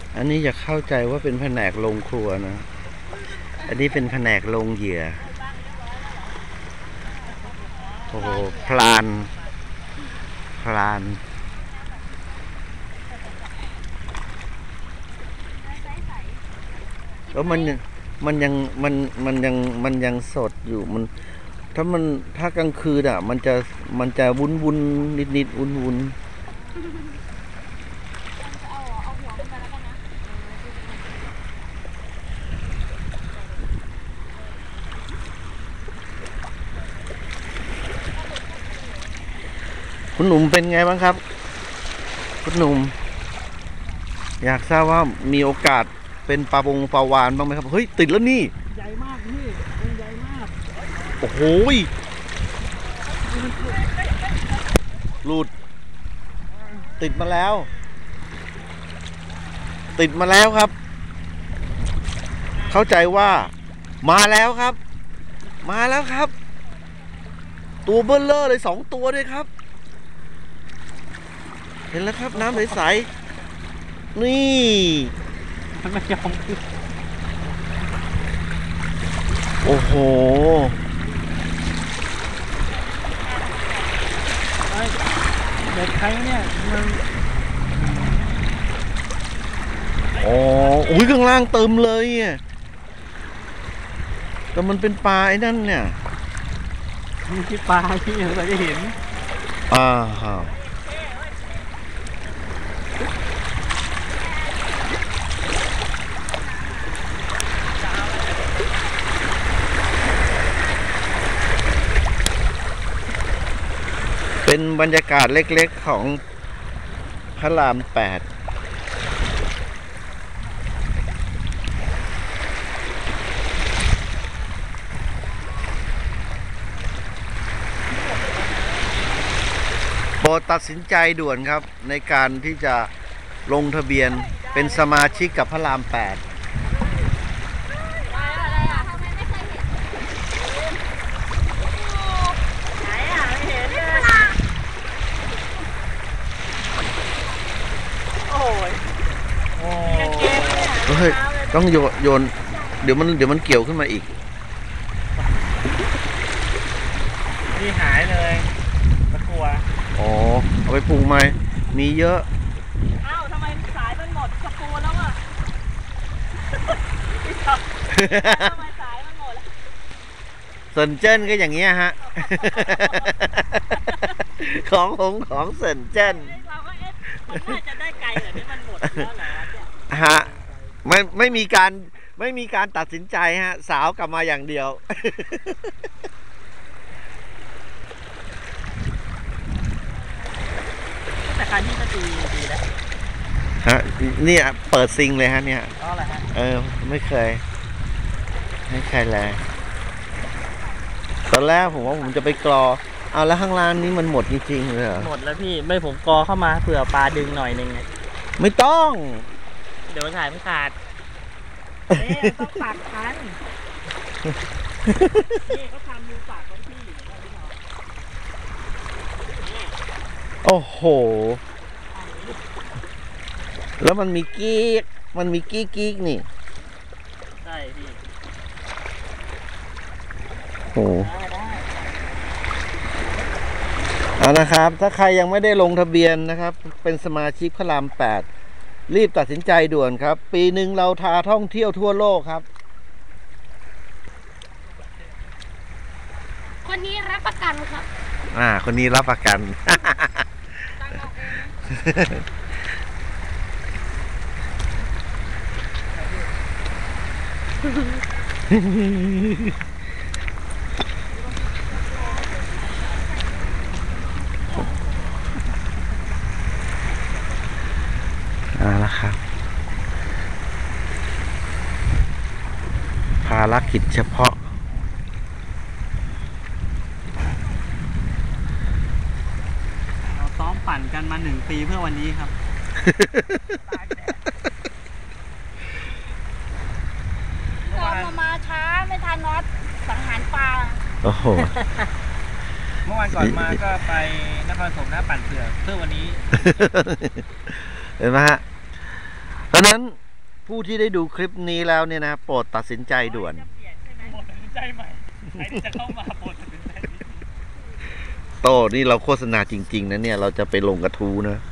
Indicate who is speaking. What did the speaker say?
Speaker 1: อันนี้อย่าเข้าใจว่าเป็นแผนกโรงครัวนะ อันนี้เป็นแผนกโรงเหยื่อโอ้โหพลานแล้วมันยังสดอยู่มันถ้ากลางคืนอ่ะมันจะวุ้นนิดวุ้นคุณหนุ่มเป็นไงบ้างครับคุณหนุ่มอยากทราบว่ามีโอกาสเป็นปลาวานบ้างไหมครับเฮ้ยติดแล้วนี่
Speaker 2: ใหญ่มากนี่มันใหญ่มาก
Speaker 1: โอ้โหหลุดติดมาแล้วครับ เข้าใจว่ามาแล้วครับตัวเบิ้ลเลอร์เลย2 ตัวด้วยครับเห็นแล้วครับน้ำใสๆนี่
Speaker 2: มันไม่ยอม
Speaker 1: โอ้โห
Speaker 2: เด็กใครเนี่ยมัน
Speaker 1: อ๋ออุ้ยข้างล่างเติมเลยอ่ะแต่มันเป็นปลาไอ้นั่นเนี่ย
Speaker 2: มีที่ปลาที่เราจะเห็น
Speaker 1: ฮะเป็นบรรยากาศเล็กๆของพระราม 8โปรดตัดสินใจด่วนครับในการที่จะลงทะเบียนเป็นสมาชิกกับพระราม 8เฮ้ยต้องโยนเดี๋ยวมันเกี่ยวขึ้นมาอีก
Speaker 2: นี่หายเลยตะกัว
Speaker 1: อ๋อเอาไปปลูกไหมมีเยอะ
Speaker 2: อ้าวทำไมสายมันหมดตะกัวแล้วอ่ะทำไมสายมันหมดแล้ว
Speaker 1: เซินเจิ้นก็อย่างเงี้ยฮะของเซินเจิ้น
Speaker 2: เราก็มันน่าจะได้ไกลเหรอที่มันหมดแล้วเหรอ
Speaker 1: ฮะไม่มีการตัดสินใจฮะสาวกลับมาอย่างเดียว
Speaker 2: แต่การที่ก็ดีแล้ว
Speaker 1: ฮะเนี่ยเปิดซิงเลยฮะเนี่ย
Speaker 2: อ๋อเหรอฮะ
Speaker 1: ไม่เคยเลยตอนแรกผมว่าผมจะไปกรอเอาแล้วข้างล่างนี้มันหมดจริงๆเลยเหรอ
Speaker 2: หมดแล้วพี่ไม่ผมกอเข้ามาเผื่อปลาดึงหน่อยนึงไง
Speaker 1: ไม่ต้อง
Speaker 2: เดี๋ยวสายไม่ขาดต้องปากคันนี่เขาทำมือปากของพี่
Speaker 1: โอ้โหแล้วมันมีกิ๊กนี่
Speaker 2: ใช่พี่
Speaker 1: โอ้เอานะครับถ้าใครยังไม่ได้ลงทะเบียนนะครับเป็นสมาชิกพระราม 8รีบตัดสินใจด่วนครับปีหนึ่งเราพาท่องเที่ยวทั่วโลกครับ
Speaker 3: คนนี้รับประกันครับ
Speaker 1: คนนี้รับประกันแล้วครับภารกิจเฉพาะ
Speaker 2: เราซ้อมปั่นกันมา1 ปีเพื่อวันนี้ครับ
Speaker 3: ซ้อมมาช้าไม่ทันน็อตสังหารปลา
Speaker 1: โอ้โห
Speaker 2: เมื่อวานก่อนมาก็ไปนครปฐมนะปั่นเพื่อวันนี้
Speaker 1: เห็นไหมฮะเพราะนั้นผู้ที่ได้ดูคลิปนี้แล้วเนี่ยนะโปรดตัดสินใจด่วน
Speaker 2: จะเปลี่ยนใช่ไหม
Speaker 4: โปรดตัดสินใจใหม่ใครที่จะเข้ามาโปรดตัดสินใจ
Speaker 1: โต้นี่เราโฆษณาจริงๆนะเนี่ยเราจะไปลงกระทู้นะ